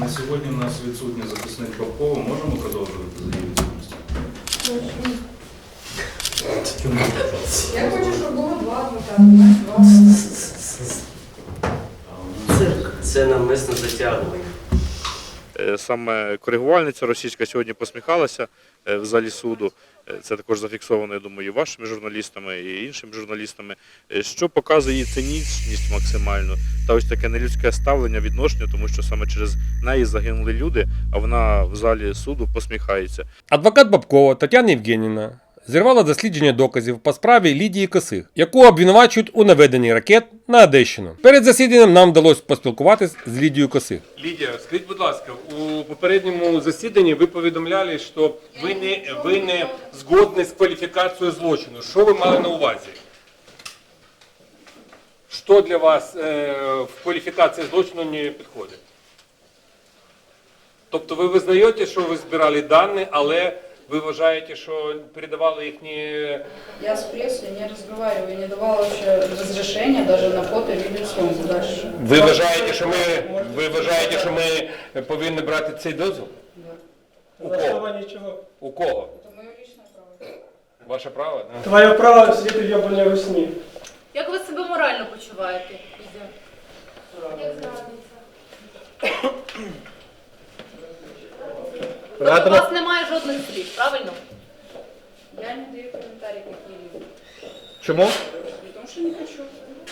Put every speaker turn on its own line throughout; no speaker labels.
На сьогодні у нас відсутній захисник Бабкова. Можемо продовжувати за її відсутністю?
Я хочу, щоб було два адвоката, знаєш,
Цирк. Це навмисно затягування.
Саме коригувальниця російська сьогодні посміхалася в залі суду. Це також зафіксовано, я думаю, і вашими журналістами, і іншими журналістами, що показує її цинічність максимальну та ось таке нелюдське ставлення, відношення, тому що саме через неї загинули люди, а вона в залі суду посміхається.
Адвокат Бабкова Тетяна Євгенівна зірвала дослідження доказів по справі Лідії Косих, яку обвинувачують у наведенні ракет на Одещину. Перед засіданням нам вдалося поспілкуватися з Лідією Косих.
Лідія, скажіть, будь ласка, у попередньому засіданні ви повідомляли, що ви не згодні з кваліфікацією злочину. Що ви мали на увазі? Що для вас в кваліфікації злочину не підходить? Тобто ви визнаєте, що ви збирали дані, але ви вважаєте, що передавали їхні...
Я с прессой не разговариваю, не давала вообще разрешения даже на фото, видео, съемку дальше.
Ви вважаєте, що ми повинні брати цей дозвіл?
Да.
У кого? У кого?
Это мое личное право.
Ваше право? Да?
Твоє право сидіти в ябаній русні.
Як ви себе морально почуваєте? Лідія? Як зрадниця? Тобто у вас немає жодних слів, правильно?
Я не даю комментарии какие-либо.
Чому?
Потому что не хочу.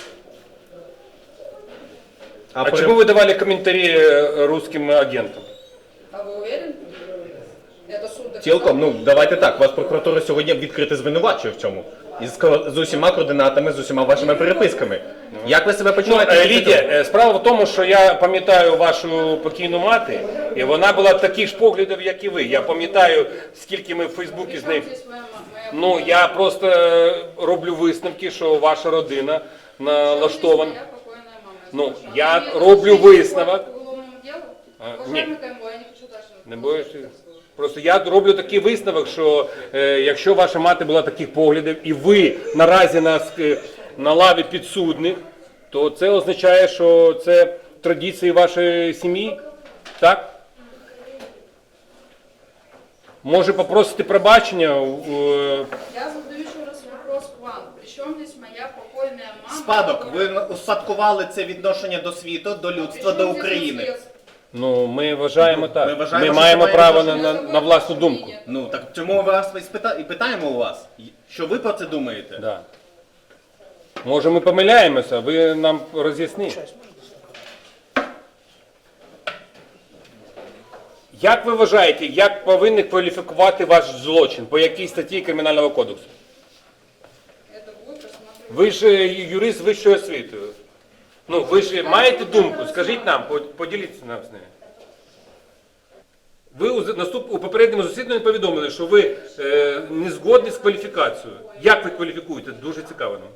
А чому ви давали коментарі русским агентам?
А вы уверены? Это суд доказал?
Цілком, ну давайте так, вас прокуратура сьогодні відкрито звинувачує в цьому. З усіма координатами, з усіма вашими переписками. Як ви себе почуваєте?
Лідія, справа в тому, що я пам'ятаю вашу покійну мати, і вона була таких ж поглядів, як і ви. Я пам'ятаю, скільки ми в Фейсбуці з нею...
Здесь моя
Ну, я просто роблю висновки, що ваша родина налаштована.
Я покойная мама.
Ну,
Она
я
не
роблю
отношения
висновок.
к уголовному делу.
Ні.
Уважаемый КМВ, я не хочу дальше.
Не боїшся? Просто я роблю такий висновок, що якщо ваша мати була таких поглядів, і ви наразі на лаві підсудних, то це означає, що це традиції вашої сім'ї, так? Може попросити пробачення?
Я задаю еще раз вопрос к вам. Причем здесь моя покойная мама?
Спадок, ви успадкували це відношення до світу, до людства, до України.
Ну, ми вважаємо так.
Ми вважаємо,
Ми
що
маємо
це
право
має
на власну думку.
Ну так чому ми вас і питаємо у вас, що ви про це думаєте?
Да. Може ми помиляємося, ви нам роз'ясніть. Як ви вважаєте, як повинні кваліфікувати ваш злочин? По якій статті Кримінального кодексу?
Это будет рассматриваться.
Ви ж юрист вищої освіти. Ну, ви ж маєте думку, скажіть нам, поділіться нам з нею. Ви у попередньому засіданні повідомили, що ви не згодні з кваліфікацією. Як ви кваліфікуєте? Дуже цікаво нам.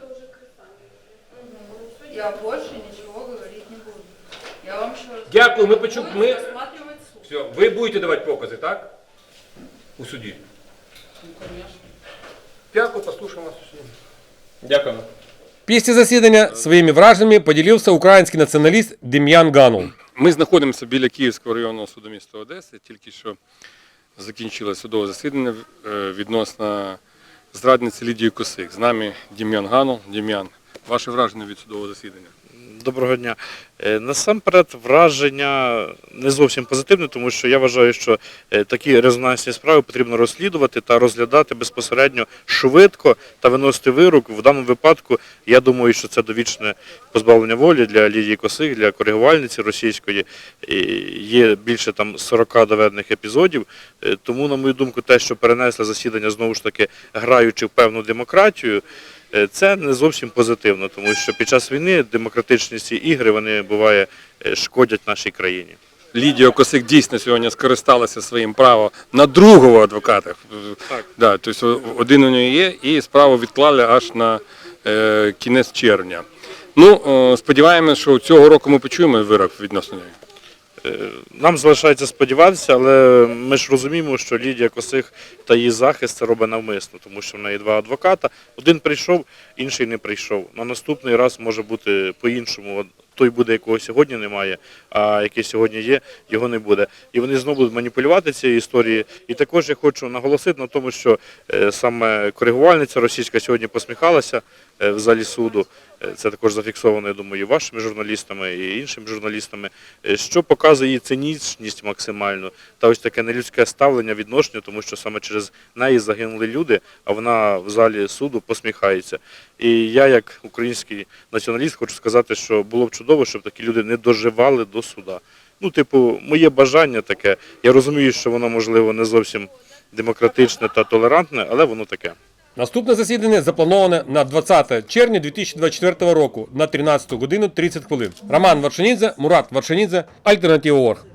Я больше ничего говорить не буду. Я вам еще раз...
Дякую, ми
Будет
почули. Ми...
рассматривать суд.
Все, ви будете давати покази, так? У суді.
Ну, конечно.
Дякую, послухаємо вас у суді.
Дякуємо.
Після засідання своїми враженнями поділився український націоналіст Дем'ян Ганул.
Ми знаходимося біля Київського районного суду міста Одеси. Тільки що закінчилося судове засідання відносно зрадниці Лідії Косих. З нами Дем'ян Ганул. Дем'ян, ваше враження від судового засідання?
Доброго дня. Насамперед, враження не зовсім позитивне, тому що я вважаю, що такі резонансні справи потрібно розслідувати та розглядати безпосередньо швидко та виносити вирок. В даному випадку, я думаю, що це довічне позбавлення волі для Лідії Косих, для коригувальниці російської. Є більше там 40 доведених епізодів. Тому, на мою думку, те, що перенесли засідання, знову ж таки, граючи в певну демократію, це не зовсім позитивно, тому що під час війни демократичні ці ігри, вони, буває, шкодять нашій країні.
Лідія Косих дійсно сьогодні скористалася своїм правом на другого адвоката.
Так.
Да, тобто один у неї є, і справу відклали аж на кінець червня. Ну, сподіваємося, що цього року ми почуємо вирок відносно неї.
Нам залишається сподіватися, але ми ж розуміємо, що Лідія Косих та її захист це робить навмисно, тому що в неї два адвоката. Один прийшов, інший не прийшов. На наступний раз може бути по-іншому. той буде, якого сьогодні немає, а який сьогодні є, його не буде. І вони знову будуть маніпулювати цією історією. І також я хочу наголосити на тому, що саме коригувальниця російська сьогодні посміхалася в залі суду. Це також зафіксовано, я думаю, і вашими журналістами, і іншими журналістами, що показує її цинічність максимальну та ось таке нелюдське ставлення, відношення, тому що саме через неї загинули люди, а вона в залі суду посміхається. І я, як український націоналіст, хочу сказати, що було б чудово, щоб такі люди не доживали до суда. Ну, типу, моє бажання таке. Я розумію, що воно, можливо, не зовсім демократичне та толерантне, але воно таке.
Наступне засідання заплановане на 20 червня 2024 року на 13 годину 30 хвилин. Роман Варшанідзе, Мурат Варшанідзе, Альтернатива.орг.